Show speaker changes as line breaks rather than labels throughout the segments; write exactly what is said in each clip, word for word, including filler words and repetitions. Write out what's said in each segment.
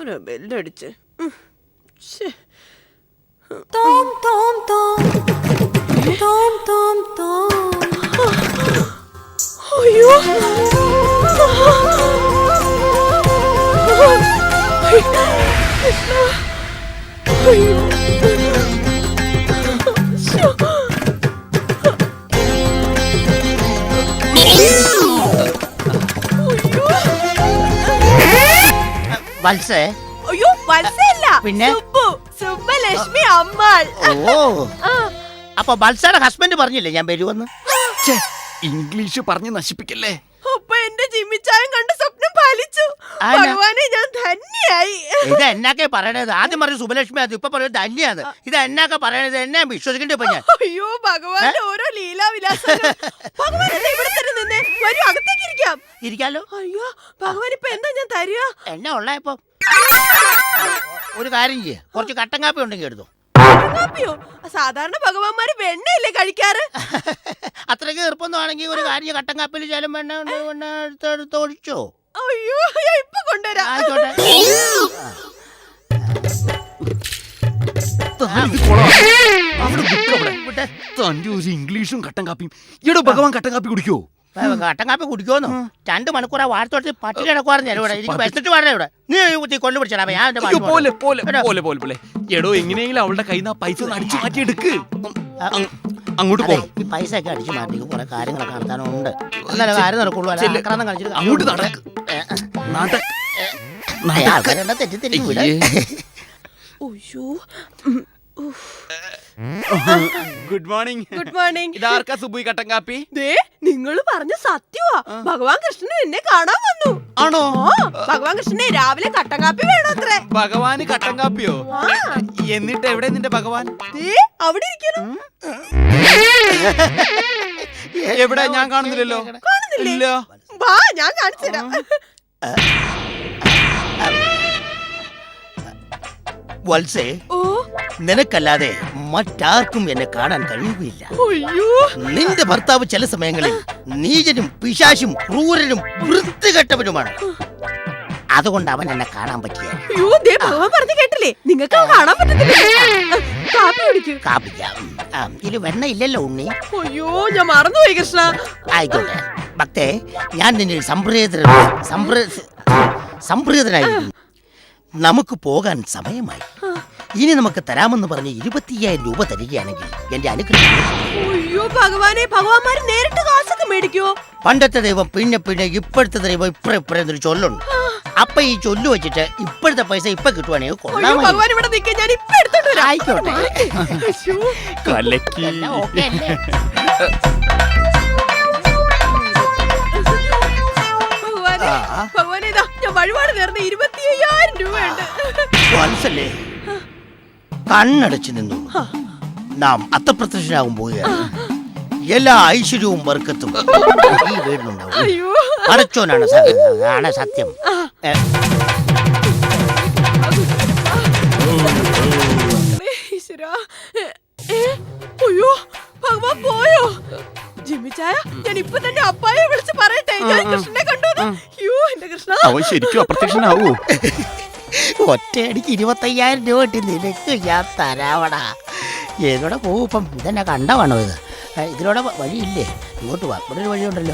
ആരാ ബെല്ലടിച്ച്? അയ്യോ
വത്സേ?
അയ്യോ വത്സല്ല,
പിന്നെ
സുബ്ബലക്ഷ്മി അമ്മാൾ.
ഓ, അപ്പൊ വത്സയുടെ ഹസ്ബൻഡ് പറഞ്ഞില്ലേ ഞാൻ വരുമെന്ന്?
ഇംഗ്ലീഷ് പറഞ്ഞ് നശിപ്പിക്കല്ലേ.
അപ്പൊ എന്റെ ജിമ്മിച്ചായം കണ്ട സ്വപ്നം പാലിച്ചു. ഭഗവാനെ ഞാൻ ധന്യായി.
ഇത് എന്നാക്കെ പറയണത്? ആദ്യം പറഞ്ഞു സുബലക്ഷ്മി, അത് ഇപ്പൊ പറയുന്നത് ധന്യാണ്. ഇത് എന്നാക്കെ പറയണത്? എന്നെ വിശ്വസിക്കേണ്ടി ഇപ്പൊ ഞാൻ?
അയ്യോ ഭഗവാന്റെ ഓരോ ലീലാവിലാസങ്ങൾ. ഭഗവാൻ ഇവിടെ തന്നെ നിന്നേ, വരൂ അകത്തേക്ക് ഇരിക്കാം.
ഇരിക്കാലോ.
അയ്യോ ഭഗവാൻ ഇപ്പൊ എന്താ ഞാൻ തരിക?
എന്നാ ഉള്ള ഇപ്പൊ? ഒരു കാര്യം ചെയ്യ, കുറച്ച് കട്ടൻ കാപ്പി ഉണ്ടെങ്കിൽ എടുത്തോ.
കാപ്പിയോ? സാധാരണ ഭഗവാന്മാര് വെണ്ണയല്ലേ കഴിക്കാറ്?
അത്രയ്ക്ക് എളുപ്പമൊന്നുമാണെങ്കിൽ ഒരു കാര്യം, കട്ടൻ കാപ്പിയിൽ ചേലും വെണ്ണ വെണ്ണ എടുത്ത് ഒഴിച്ചോ.
അയ്യോ ഇപ്പൊ കൊണ്ടുവരാം.
ആയിക്കോട്ടെ.
തന്റെ ഒരു ഇംഗ്ലീഷും കട്ടൻ കാപ്പിയും. ഈടോ ഭഗവാൻ കട്ടൻ കാപ്പി കുടിക്കോ?
കട്ടൻ കാപ്പി കുടിക്കുമെന്നോ? രണ്ട് മണിക്കൂറാ വാഴത്തോട്ട് പട്ടി കിടക്കുവായിരുന്നു ഇവിടെ. എനിക്ക് വെച്ചിട്ട് പറഞ്ഞ ഇവിടെ നീ കൊല്ലു പിടിച്ചാ.
എടോ എങ്ങനെയെങ്കിലും അവളുടെ കയ്യിൽ നിന്ന് പൈസ അടിച്ചു മാറ്റി എടുക്ക്. അങ്ങോട്ട് പോ.
ഈ പൈസ ഒക്കെ അടിച്ചു മാറ്റി കുറെ കാര്യങ്ങളൊക്കെ നടത്താനുണ്ട്. എന്നാലും കാര്യം നടക്കുള്ളൂ.
അങ്ങോട്ട് നടക്ക്.
തെറ്റിദ്ധരിക്കും ഇവിടെ.
Good morning.
Good morning.
ഇതാർക്കാ സുബുയി കട്ടൻ കാപ്പി?
നിങ്ങൾ പറഞ്ഞ സത്യവാ. ഭഗവാൻ കൃഷ്ണൻ എന്നെ കാണാൻ വന്നു.
ആണോ?
ഭഗവാൻ കൃഷ്ണനെ രാവിലെ കട്ടൻ കാപ്പി വേണോ അത്രേ.
ഭഗവാന് കട്ടൻ കാപ്പിയോ? എന്നിട്ട് എവിടെ നിന്റെ ഭഗവാൻ?
അവിടെ ഇരിക്കുന്നു.
എവിടെ? ഞാൻ കാണുന്നില്ലല്ലോ.
കാണുന്നില്ല? വാ ഞാൻ കാണിച്ചു തരാം.
വത്സേ, നിനക്കല്ലാതെ മറ്റാർക്കും എന്നെ കാണാൻ കഴിയുകയില്ല. നിന്റെ ഭർത്താവ് ചില സമയങ്ങളിൽ നീചനും പിശാചും ക്രൂരനും വൃത്തികെട്ടവനുമാണ്. അതുകൊണ്ട് അവൻ എന്നെ കാണാൻ പറ്റിയ.
ഭഗവാൻ പറഞ്ഞു കേട്ടില്ലേ, നിങ്ങൾക്ക് കാണാൻ പറ്റത്തില്ല.
കാപ്പിക്കാം. ഇത് വെണ്ണ ഇല്ലല്ലോ ഉണ്ണി.
അയ്യോ ഞാൻ മറന്നുപോയി കൃഷ്ണ.
ആയിക്കോട്ടെ ഭക്തേ, ഞാൻ നിന്നെ സംപ്രീത സംപ്രീതനായിരിക്കും. നമുക്ക് പോകാൻ സമയമായി. ഇനി നമുക്ക് തരാമെന്ന് പറഞ്ഞ് ഇരുപത്തിയ്യായിരം രൂപ തരികയാണെങ്കിൽ എന്റെ അനുഗ്രഹം.
അയ്യോ ഭഗവാനെ, ഭഗവാന്മാര് നേരിട്ട് കാശൊക്കെ മേടിക്കോ?
പണ്ടത്തെ ദൈവം പിന്നെ പിന്നെ ഇപ്പോഴത്തെ ദൈവം ഇപ്പഴ ഇപ്പഴെന്നൊരു ചൊല്ലുണ്ട്. അപ്പൊ ഈ ചൊല്ലു വെച്ചിട്ട് ഇപ്പോഴത്തെ പൈസ ഇപ്പൊ കിട്ടുവാണെങ്കിൽ കൊള്ളാം. ആയിക്കോട്ടെ.
വഴിപാട് നേർന്ന് ഇരുപത്തി അയ്യായിരം രൂപയുണ്ട്.
വത്സല്ലേ, കണ്ണടച്ചു നിന്നു. നാം അത്തപ്രത്യക്ഷനാകും പോവുകയാണ്. എല്ലാ ഐശ്വര്യവും വർക്കത്തും ഈ വീടിനുണ്ടാവും. അടച്ചോനാണ് ആണ് സത്യം.
അയ്യോ ഭഗവാൻ പോയോ? ജിമ്മിച്ചായ, ഞാൻ ഇപ്പൊ തന്നെ അപ്പായെ വിളിച്ച് പറയട്ടെ ഞാൻ കൃഷ്ണനെ കണ്ടു. അയ്യോ എന്റെ കൃഷ്ണ,
അവൻ ശരിക്കും അപ്രത്യക്ഷനാവോ?
ഒറ്റയടിക്ക് ഇരുപത്തയ്യായിരം രൂപ കിട്ടി നിനക്ക് ഞാൻ തരാവടാ. ഏതോടെ പോവും ഇപ്പം? ഇതെന്നെ കണ്ടവാണോ ഇത്? ഇതിലൂടെ വഴിയില്ലേ? ഇങ്ങോട്ട് വാ, ഇവിടെ ഒരു വഴിയുണ്ടല്ലോ.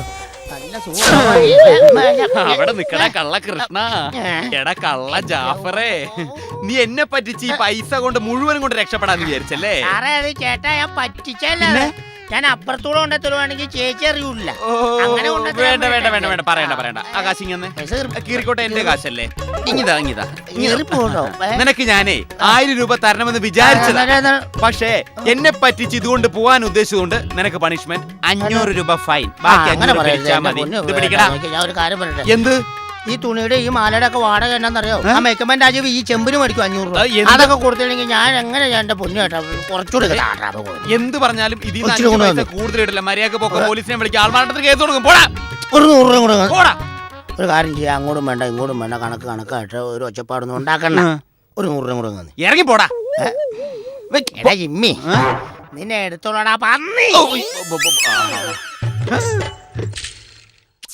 അവിടെ നിക്കട കള്ള കൃഷ്ണ. എടാ കള്ള ജാഫറേ, നീ എന്നെ പറ്റിച്ച് ഈ പൈസ കൊണ്ട് മുഴുവനും കൊണ്ട് രക്ഷപ്പെടാന്ന് വിചാരിച്ചല്ലേ?
ചേട്ടാ ഞാൻ പറ്റിച്ചല്ലേ. ഞാൻ അപ്പുറത്തൂടെ കൊണ്ടേ തരുവാണെങ്കിൽ ചേച്ചി അറിയൂല. അങ്ങനെ
വേണ്ട വേണ്ട വേണ്ട വേണ്ട പറയണ്ട പറയണ്ട. ആ കാശ് ഇങ്ങനെ കീറിക്കോട്ടെ, എന്റെ കാശല്ലേ. ഇങ്ങിതാ ഇങ്ങിതാ. നിനക്ക് ഞാനേ ആയിരം രൂപ തരണമെന്ന് വിചാരിച്ചതാ. പക്ഷേ എന്നെ പറ്റിച്ച് ഇതുകൊണ്ട് പോവാൻ ഉദ്ദേശിച്ചുകൊണ്ട് നിനക്ക് പണിഷ്മെന്റ് അഞ്ഞൂറ് രൂപ ഫൈൻ. ബാക്കി അങ്ങനെ പിടിച്ചാ മതി. ഇത് പിടിക്കടാ. എന്ത്?
ഈ തുണിയുടെ ഈ മാലയുടെ ഒക്കെ വാടക എന്നാന്നറിയോ? ആ മേക്കമ്മൻ രാജീവ് ഈ ചെമ്പിന് മേടിക്കും അഞ്ഞൂറ് രൂപ. അതൊക്കെ കൊടുത്തില്ലെങ്കിൽ ഞാൻ എങ്ങനെ ഞാൻ എന്റെ പൊന്നു കേട്ടോ കുറച്ചുകൂടി.
എന്ത് പറഞ്ഞാലും ഇതിൽ കൂടുതലിടില്ല. മര്യാദ പോക്ക പോലീസിനെ വിളിക്കുക, ആൾമാരുടെ കേസ് കൊടുക്കും. പോടാ.
ഒരു നൂറ് രൂപ കൂടെ പോടാ. ഒരു കാര്യം ചെയ്യാം, അങ്ങോട്ടും വേണ്ട ഇങ്ങോട്ടും വേണ്ട, കണക്ക് കണക്കായിട്ട് ഒരു ഒച്ചപ്പാടൊന്നും ഉണ്ടാക്കണ്ട. ഒരു നൂറ് രൂപ കൂടെ
ഇറങ്ങി പോടാ.
എടാ ജിമ്മി, നിന്നെ എടുത്തോളാടാ പന്നി.